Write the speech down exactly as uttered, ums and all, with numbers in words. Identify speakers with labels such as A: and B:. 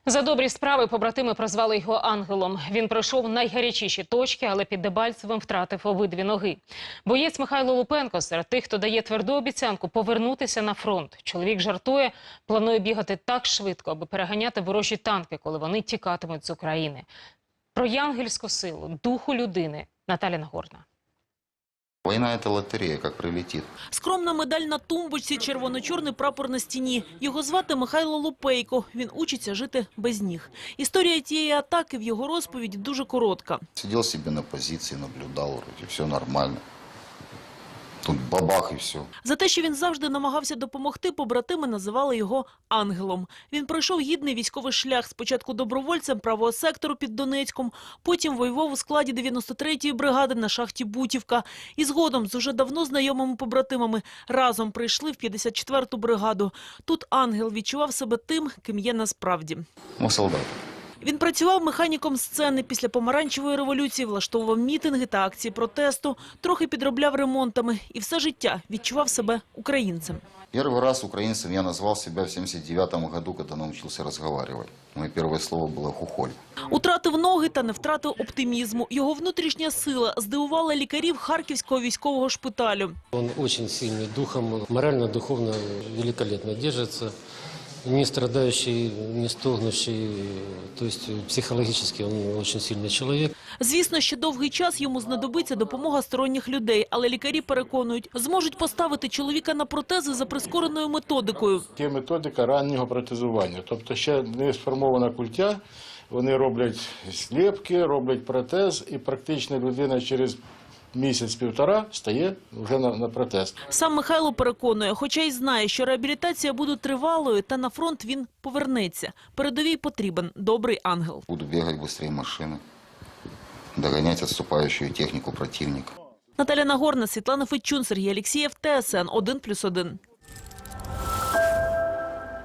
A: За добрі справи побратими прозвали його ангелом. Він пройшов найгарячіші точки, але під Дебальцевим втратив обидві ноги. Боєць Михайло Лупенко серед тих, хто дає тверду обіцянку повернутися на фронт. Чоловік жартує, планує бігати так швидко, аби переганяти ворожі танки, коли вони тікатимуть з України. Про янгельську силу, духу людини Наталя Нагорна.
B: Война – это лотерея, как прилетит.
C: Скромна медаль на тумбочці, червоно-чорний прапор на стіні. Його звати Михайло Лупейко. Він учиться жити без ніг. Історія тієї атаки в його розповіді дуже коротка.
B: Сидел себе на позиции, наблюдал, вроде все нормально. Тут бабах і все.
C: За те, що він завжди намагався допомогти, побратими називали його ангелом. Він пройшов гідний військовий шлях. Спочатку добровольцем правого сектору під Донецьком, потім воював у складі дев'яносто третьої бригади на шахті Бутівка. І згодом з уже давно знайомими побратимами разом прийшли в п'ятдесят четверту бригаду. Тут ангел відчував себе тим, ким є насправді.
B: Ми солдати.
C: Він працював механіком сцени. Після помаранчевої революції влаштовував мітинги та акції протесту, трохи підробляв ремонтами і все життя відчував себе українцем.
B: Перший раз українцем я назвав себе в сімдесят дев'ятому году, коли навчився розмовляти. Моє перше слово було «хухоль».
C: Утратив ноги та не втратив оптимізму. Його внутрішня сила здивувала лікарів Харківського військового шпиталю.
D: Він дуже сильний духом, морально-духовно великолепно держиться. Не страдающий, не стогнущий, то есть психологически он очень сильный человек.
C: Звісно, ще довгий час йому знадобиться допомога сторонніх людей, але лікарі переконують, зможуть поставити чоловіка на протези за прискореною методикою.
E: Є методика раннього протезування, тобто ще не сформована культя, вони роблять сліпки, роблять протез і практично людина через місяць-півтора стає вже на, на протез.
C: Сам Михайло переконує, хоча й знає, що реабілітація буде тривалою, та на фронт він повернеться. Передовій потрібен добрий ангел.
B: Буду бігати швидше машини, доганяти відступаючу техніку противника.
C: Наталя Нагорна, Світлана Федчун, Сергій Алєксєєв, Т С Н один плюс один.